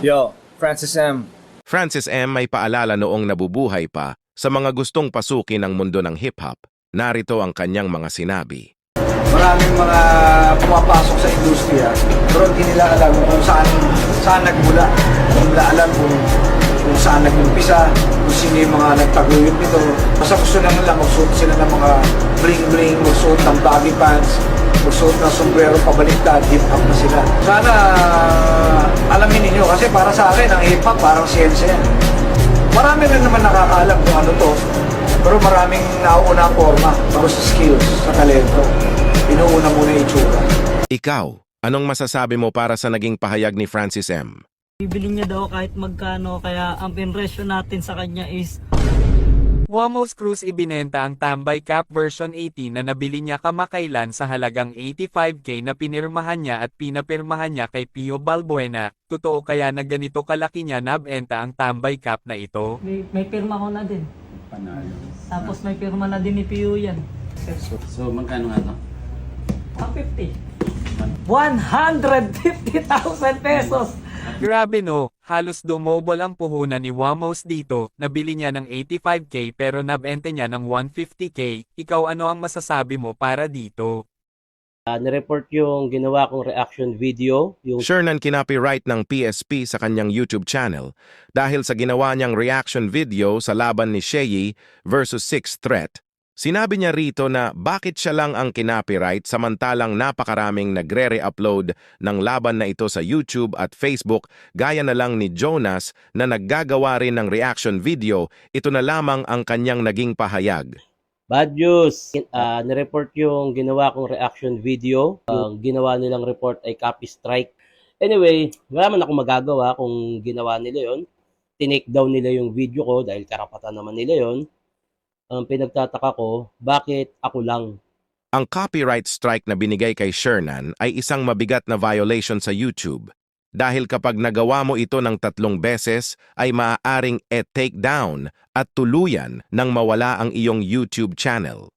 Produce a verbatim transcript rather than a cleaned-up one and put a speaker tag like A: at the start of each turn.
A: Yo, Francis M.
B: Francis M. may paalala noong nabubuhay pa sa mga gustong pasukin ang mundo ng hip-hop. Narito ang kanyang mga sinabi.
C: Maraming mga pumapasok sa industriya, pero hindi nila alam kung saan, saan nagmula. Hindi nila alam kung, kung saan nag-umpisa, kung sino yung mga nagtaguyod nito. Basta gusto lang nila magsuot sila ng mga bling-bling, magsuot ng baggy pants, magsuot ng sombrero pabaliktad, hip-hop na sila. Sana alamin ninyo, kasi para sa akin, ang hip-hop parang siyensya yan. Marami rin naman nakakaalam kung ano to, pero maraming nauuna ang forma, bago sa skills, sa talento. Inuuna muna yung itsura.
B: Ikaw, anong masasabi mo para sa naging pahayag ni Francis M?
D: Bibili niya daw kahit magkano, kaya ang pinresyo natin sa kanya is
E: Wamos Cruz ibinenta ang Tambay Cap version eighteen na nabili niya kamakailan sa halagang eighty-five K na pinirmahan niya at pinapirmahan niya kay Pio Balbuena. Totoo kaya na ganito kalaki niya nabenta ang Tambay Cap na ito?
D: may, may pirma ko na din.
F: Panalo.
D: Tapos may pirma na din ni Pio yan.
F: So, magkano nga to?
D: one fifty. one hundred fifty thousand pesos.
E: Grabe no, halos dumobol ang puhunan ni Wamos dito. Nabili niya ng eighty-five K pero nabenta niya ng one fifty K. Ikaw ano ang masasabi mo para dito?
G: Uh, nireport yung ginawa kong reaction video. Yung
B: Shernan kinopyright ng P S P sa kanyang YouTube channel dahil sa ginawa niyang reaction video sa laban ni Sheyi versus Sixth Threat. Sinabi niya rito na bakit siya lang ang kinopyright samantalang napakaraming nagre-re-upload ng laban na ito sa YouTube at Facebook gaya na lang ni Jonas na naggagawa rin ng reaction video. Ito na lamang ang kanyang naging pahayag.
G: bad news. Uh, nireport yung ginawa kong reaction video. Ang ginawa nilang report ay copy strike. Anyway, wala man akong magagawa kung ginawa nila yon. Tinake down nila yung video ko dahil karapatan naman nila yon. Ang pinagtataka ko, bakit ako lang?
B: Ang copyright strike na binigay kay Shernan ay isang mabigat na violation sa YouTube. Dahil kapag nagawa mo ito ng tatlong beses, ay maaaring e-take down at tuluyan nang mawala ang iyong YouTube channel.